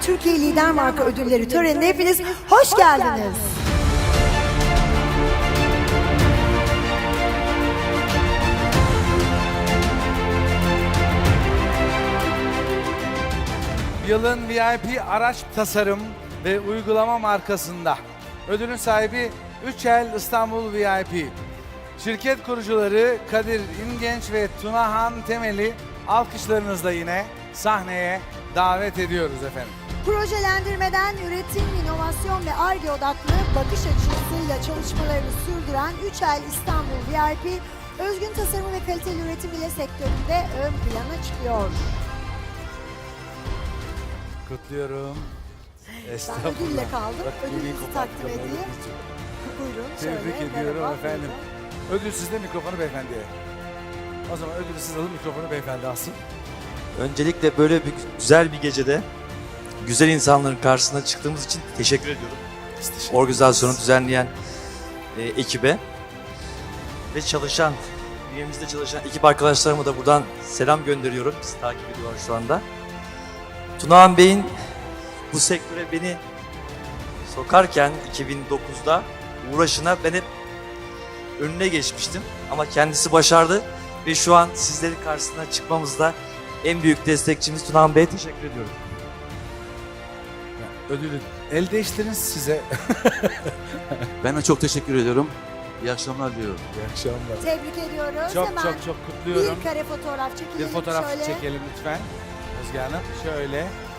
Türkiye Lider Marka Ödülleri törenine hepiniz hoş geldiniz. Yılın VIP araç tasarım ve uygulama markasında. Ödülün sahibi Üçel İstanbul VIP. Şirket kurucuları Kadir İngenç ve Tunahan Temel'i alkışlarınızla yine sahneye davet ediyoruz efendim. Projelendirmeden üretim, inovasyon ve Ar-Ge odaklı bakış açısıyla çalışmalarını sürdüren Üçel İstanbul VIP, özgün tasarım ve kaliteli üretim ile sektöründe ön plana çıkıyor. Kutluyorum. Ben ödülle kaldım. Bak, Ödülünüzü mikrofon takdim kapalı. edeyim. Buyurun. Tebrik şöyle, ediyorum merhaba, efendim. buyurun. Ödül sizde, mikrofonu beyefendiye. O zaman ödülü siz alın, mikrofonu beyefendi alsın. Öncelikle böyle bir güzel bir gecede güzel insanların karşısına çıktığımız için teşekkür ediyorum. Organizasyonu düzenleyen ekibe ve çalışan, üyemizde çalışan ekip arkadaşlarıma da buradan selam gönderiyorum. Bizi takip ediyorlar şu anda. Tunahan Bey'in bu sektöre beni sokarken 2009'da uğraşına ben hep önüne geçmiştim. Ama kendisi başardı ve şu an sizlerin karşısına çıkmamızda en büyük destekçimiz Tunahan Bey'e teşekkür ediyorum. Ödülü el değiştiriniz size. Ben de çok teşekkür ediyorum. İyi akşamlar diliyorum. İyi akşamlar. Tebrik ediyoruz. Çok Hemen çok çok kutluyorum. bir kare fotoğraf çekelim. Bir fotoğraf şöyle. çekelim lütfen. Özge Hanım şöyle.